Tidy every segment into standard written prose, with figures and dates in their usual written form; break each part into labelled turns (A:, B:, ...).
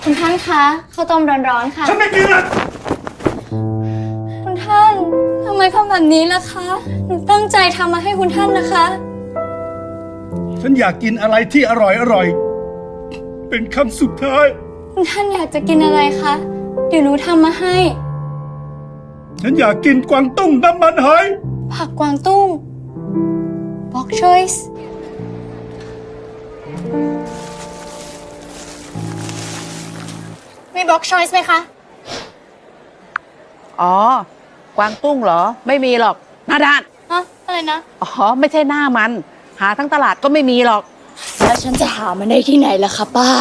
A: คุณท่านคะข้าวต้มร้อนๆค่ะ
B: ฉันไม่กินนะ
A: คุณท่านทำไมทำแบบนี้ล่ะคะหนูตั้งใจทำมาให้คุณท่านนะคะ
B: ฉันอยากกินอะไรที่อร่อยเป็นคำสุดท้าย
A: คุณท่านอยากจะกินอะไรคะเดี๋ยวหนูทำมาให้
B: ฉันอยากกินกวางตุ้งน้ำมันหอย
A: ผักกวางตุ้ง Bok choice มี Bok choice ไหมคะ
C: อ๋อกวางตุ้งเหรอไม่มีหรอกหน้าด้าน
A: ฮะ อะไรนะ
C: อ๋อไม่ใช่หน้ามัน หาทั้งตลาดก็ไม่มีหรอก
A: แล้วฉันจะหามันได้ที่ไหนล่ะคะป้า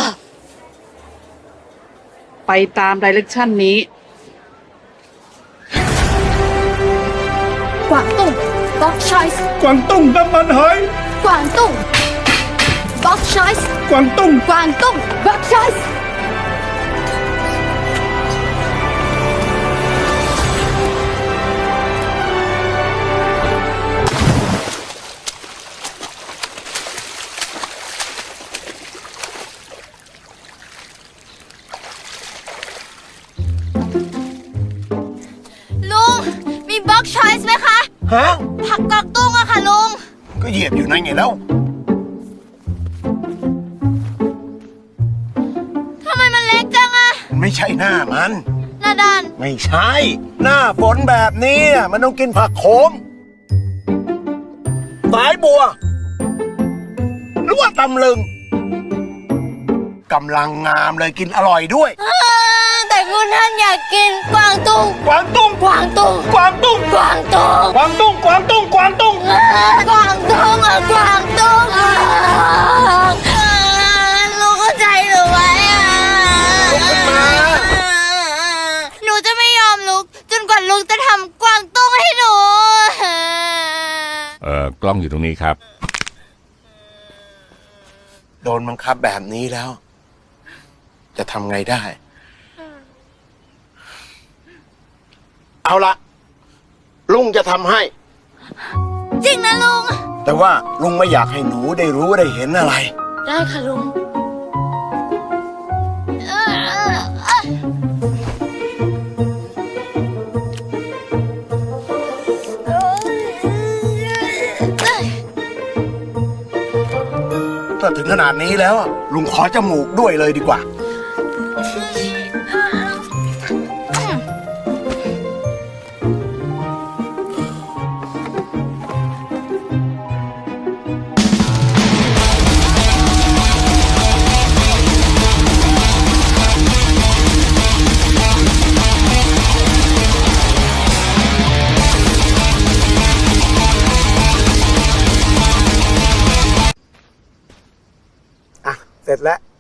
C: ไปตามดิเรกชันนี้
A: กวางตุ้ง Bok choice
B: กวางตุ้งน้ำมันหอย
A: กวางตุ้ง Bok choice
B: กวางตุ้ง
A: กวางตุ้ง Bok choice ลุง มี Bok choice ไหมคะ
D: ฮะ
A: ผักกวางตุ้งอะค่ะลุง
D: ก็เหยียบอยู่นั่นไงแล้ว
A: ทำไมมันเล็กจังอะ
D: ไม่ใช่หน้ามัน
A: หน้าด้าน
D: ไม่ใช่ หน้าฝนแบบนี้น่ะมันต้องกินผักโขมสายบัว หรือว่าตำลึงกำลังงามเลยกินอร่อยด้วย
A: แต่คุณท่านอยากกินกวางตุ้ง
D: กวางตุ้ง
A: กวางตุ้ง
D: กวางตุ้ง
A: กวางตุ้ง
D: กวางตุ้ง กวางตุ้ง กวางตุ้ง
A: กวางตุ้งอะกวางตุ้งลุงเข้าใจหรือไว้อะ
D: ลุกขึ้นมา
A: หนูจะไม่ยอมลุกจนกว่าลุงจะทำกวางตุ้งให้หนู
E: กล้องอยู่ตรงนี้ครับ
D: โดนบังคับแบบนี้แล้ว จะทำไงได้ เอาละลุงจะทำให้
A: จริงนะลุง
D: แต่ว่าลุงไม่อยากให้หนูได้รู้ได้เห็นอะไร
A: ได้ค่ะลุง
D: ถ้าถึงขนาดนี้แล้วลุงขอจมูกด้วยเลยดีกว่า อ่ะ เสร็จแล้ว